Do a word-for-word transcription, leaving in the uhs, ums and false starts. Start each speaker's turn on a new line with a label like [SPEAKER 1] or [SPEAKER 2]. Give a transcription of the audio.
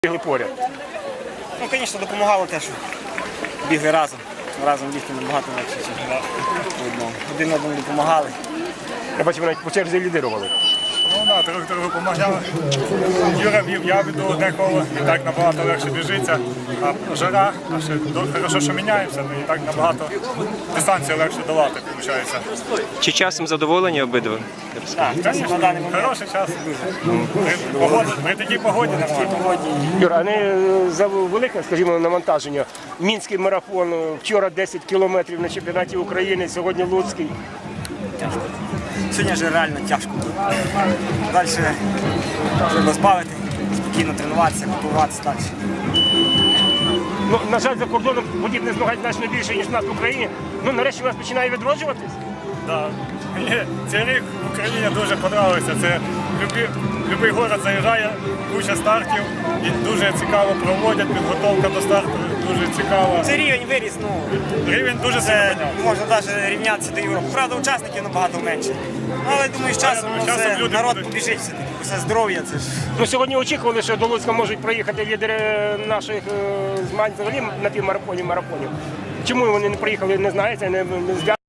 [SPEAKER 1] бігли поряд.
[SPEAKER 2] Ну, звісно, допомагало те, що бігли разом. Разом бігти набагато легше, ніж по одному. Один одному допомагали.
[SPEAKER 1] Я бачив, навіть по черзі лідирували.
[SPEAKER 3] Ну так, трохи трохи допомагали. Юра вів, я веду одне коло, і так набагато легше біжиться. А жара, а ще хорошо, що міняємося, ну і так набагато дистанцію легше долати, виходить.
[SPEAKER 4] Чи часом задоволені обидва?
[SPEAKER 2] Так, звісно, на даний момент.
[SPEAKER 3] Хороший час. При, погоді, при такій погоді нормально.
[SPEAKER 1] Юра, а не за велике, скажімо, навантаження. Мінський марафон, вчора десять кілометрів на чемпіонаті України, сьогодні Луцький.
[SPEAKER 2] Сьогодні вже реально тяжко. Далі треба збавити, спокійно тренуватися, готуватися далі.
[SPEAKER 1] Ну, на жаль, за кордоном подібне змагань значно більше, ніж в нас в Україні. Ну, нарешті у нас починає відроджуватись.
[SPEAKER 3] Да. Мені цей рік в Україні дуже подобається. Це будь-який город заїжджає, куча стартів і дуже цікаво проводять, підготовка до старту дуже цікава.
[SPEAKER 2] Це рівень виріс, ну,
[SPEAKER 3] Рівень дуже сильно
[SPEAKER 2] це
[SPEAKER 3] піднявся.
[SPEAKER 2] можна навіть рівнятися до Європи. Правда, учасників набагато менше. Ну, але думаю, з часом,
[SPEAKER 3] думаю, з
[SPEAKER 2] ну,
[SPEAKER 3] часом
[SPEAKER 2] це
[SPEAKER 3] люди
[SPEAKER 2] народ
[SPEAKER 3] будуть.
[SPEAKER 2] побіжить все-таки, все здоров'я. Це ж
[SPEAKER 1] Ну, сьогодні очікували, що до Луцька можуть проїхати лідери наших е, змагань взагалі на півмарафоні, марафонів. Чому вони не приїхали, не знаєте, не, не